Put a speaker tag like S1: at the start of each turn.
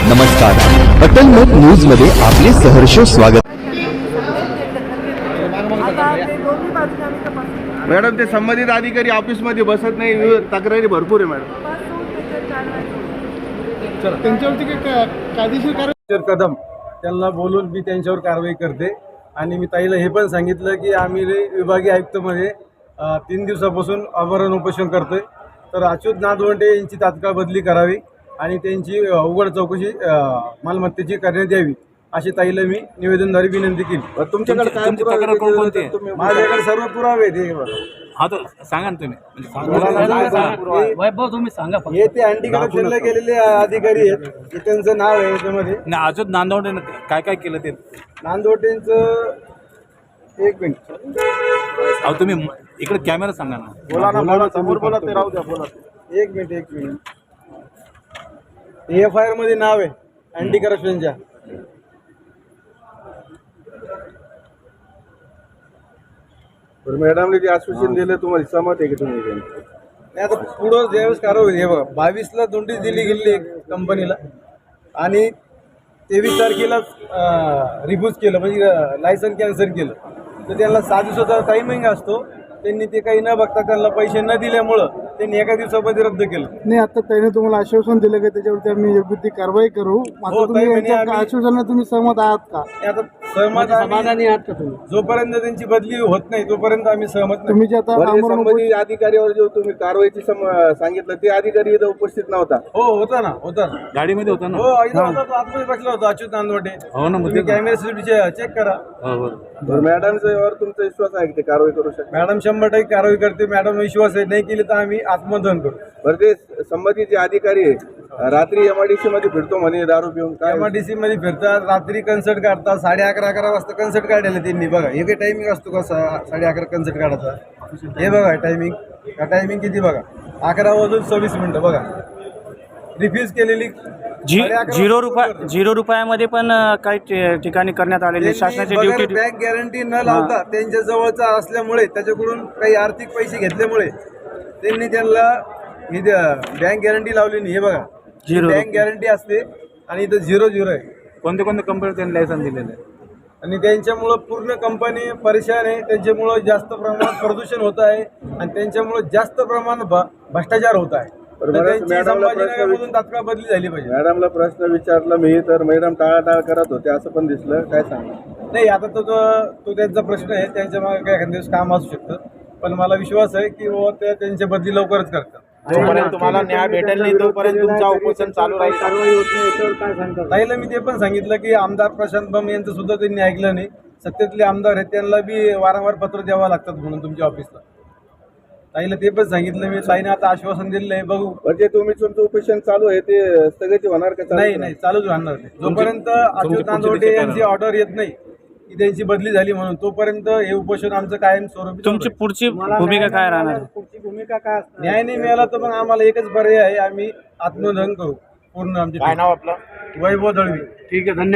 S1: नमस्कार, अटल मत न्यूज मध्ये आपले सहर्ष स्वागत।
S2: मॅडम ते संबंधित अधिकारी ऑफिस मध्ये बसत नाही, तक्रारी भरपूर आहे मॅडम।
S3: त्यांच्यावरती कायदेशीर कारवाई कदम त्यांना बोलून मी त्यांच्यावर कारवाई करते। आणि मी ताईला हे पण सांगितलं की आम्ही विभागीय आयुक्तमध्ये 3 दिवसापासून आमरण उपोषण करतोय, तर अच्युत नादवंडे यांची तात्काळ बदली करावी आणि त्यांची उघड चौकशी मालमत्तेची करण्यात यावी अशी ताईला मी निवेदनद्वारे विनंती केली।
S2: तुमच्याकडे काय तक्रार कोणती आहे?
S3: माझ्याकडे सर्व पुरावे आहेत।
S4: हा तर सांगा ना तुम्ही,
S5: वैभव तुम्ही सांगा फक्त।
S3: हे ते अँटी करप्शनला गेलेले अधिकारी आहेत, हे त्यांचं नाव आहे याच्यामध्ये।
S4: नाही, अजून नांदवडे काय काय केलं ते
S3: नांदवटेंचं एक मिनिट,
S4: अहो तुम्ही इकडे कॅमेरा सांगा ना।
S3: बोला ना, बोला समोर बोला, ते राहू द्या, बोला। एक मिनिट AFIR मध्ये नाव आहे अँटी करप्शनच्या।
S2: मॅडमने जे आश्वासन दिलं तुम्हाला सहमत आहे की तुम्ही?
S3: नाही, आता पुढं ज्यावेळेस कारवाई होईल, हे बघा 22ला नोटीस दिली गेली कंपनीला आणि 23 तारखेला रिफ्यूज केलं, म्हणजे लायसन कॅन्सल केलं। तर त्यांना 6 दिवसाचा टायमिंग असतो, त्यांनी ते काही न बघता त्यांना पैसे न दिल्यामुळं त्यांनी एका दिवसामध्ये रद्द केलं।
S6: नाही, आता त्याने तुम्हाला आश्वासन दिलं की त्याच्यावरती आम्ही योग्य ती कारवाई करू। मात्र तुम्ही यांच्या आश्वासनाला तुम्ही सहमत आहात का?
S3: आता सहमत
S6: समाधानी आहात का तुम्ही?
S3: जोपर्यंत त्यांची बदली होत नाही तोपर्यंत आम्ही सहमत नाही।
S6: तुम्ही जे आता आमरण
S2: संबंधित अधिकाऱ्यावर जो तुम्ही कारवाईची सांगितलं ते अधिकारी इथं उपस्थित नव्हता?
S3: हो, होता ना, होता ना,
S4: गाडीमध्ये होता ना?
S3: हो, इथं होता, तो आतमध्ये बसला होता अच्युत नांदवटे।
S4: हो ना,
S3: तुम्ही कॅमेरा चेक करा।
S2: मॅडमवर तुमचा विश्वास आहे की ते कारवाई करू शकतात?
S3: मॅडम 100% कारवाई करते। मॅडम विश्वास आहे, नाही केली तर आम्ही आत्मदहन करू।
S2: बरं, ते संबंधित जे अधिकारी आहे रात्री MIDC मध्ये फिरतो म्हणे दारू पिऊन, काय
S3: MIDC मध्ये फिरतात, रात्री कन्सर्ट काढतात, 11:30 वाजता कन्सर्ट काढायला त्यांनी। बघा हे काही टायमिंग असतो का 11:30 कन्सर्ट काढायचा? हे बघा टायमिंग, टायमिंग किती बघा, 11:26 बघा। रिफ्यूज केलेली
S5: 0 रुपयामध्ये पण काही ठिकाणी करण्यात आलेले शासनाची ड्युटी।
S3: बँक गॅरंटी न लावता त्यांच्या जवळचा असल्यामुळे, त्याच्याकडून काही आर्थिक पैसे घेतल्यामुळे त्यांनी त्यांना बँक गॅरंटी लावली नाही। हे बघा, बँक गॅरंटी असते आणि इथं 0 आहे।
S4: कोणते कोणते कंपनी त्यांनी लायसन दिलेलं आहे
S3: आणि त्यांच्यामुळं पूर्ण कंपनी परेशान आहे। त्यांच्यामुळं जास्त प्रमाणात प्रदूषण होत आहे आणि त्यांच्यामुळं जास्त प्रमाणात भ्रष्टाचार होत आहे। संभाजीनगरमधून तात्काळ बदली झाली पाहिजे।
S2: मॅडमला प्रश्न विचारला मी, तर मॅडम टाळाटाळ करत होते असं पण दिसलं, काय सांगा?
S3: नाही, आता तो त्यांचा प्रश्न आहे, त्यांच्या मागे काय एखाद्या दिवस काम असू शकतं, पण मला विश्वास आहे की ते त्यांच्या बदली लवकरच करतात।
S2: जोपर्यंत तुम्हाला न्याय भेटेल नाही तोपर्यंत तुमचा उपोषण चालू राहील।
S3: ताईला मी ते पण सांगितलं की आमदार प्रशांत बम यांचं सुद्धा त्यांनी ऐकलं नाही। सत्तेतले आमदार आहेत, त्यांना बी वारंवार पत्र द्यावं लागतात म्हणून तुमच्या ऑफिसला। ताईला ते पण सांगितलं मी। ताईने आता आश्वासन दिलेलं आहे, बघू।
S2: म्हणजे तुम्ही तुमचं उपोषण चालू आहे ते स्थगित होणार का?
S3: नाही, चालूच राहणार नाही जोपर्यंत अच्युत नांदवटे यांची ऑर्डर येत नाही की त्यांची बदली झाली म्हणून, तोपर्यंत हे उपोषण आमचं कायम स्वरूपी।
S5: तुमची पुढची भूमिका काय राहणार?
S3: पुढची भूमिका काय? न्याय नाही मिळाला तर मग आम्हाला एकच पर्याय आहे, आम्ही आत्मदहन करू पूर्ण। आमचे
S2: काय नाव आपलं?
S3: वैभव दळवी।
S5: ठीक आहे, धन्यवाद।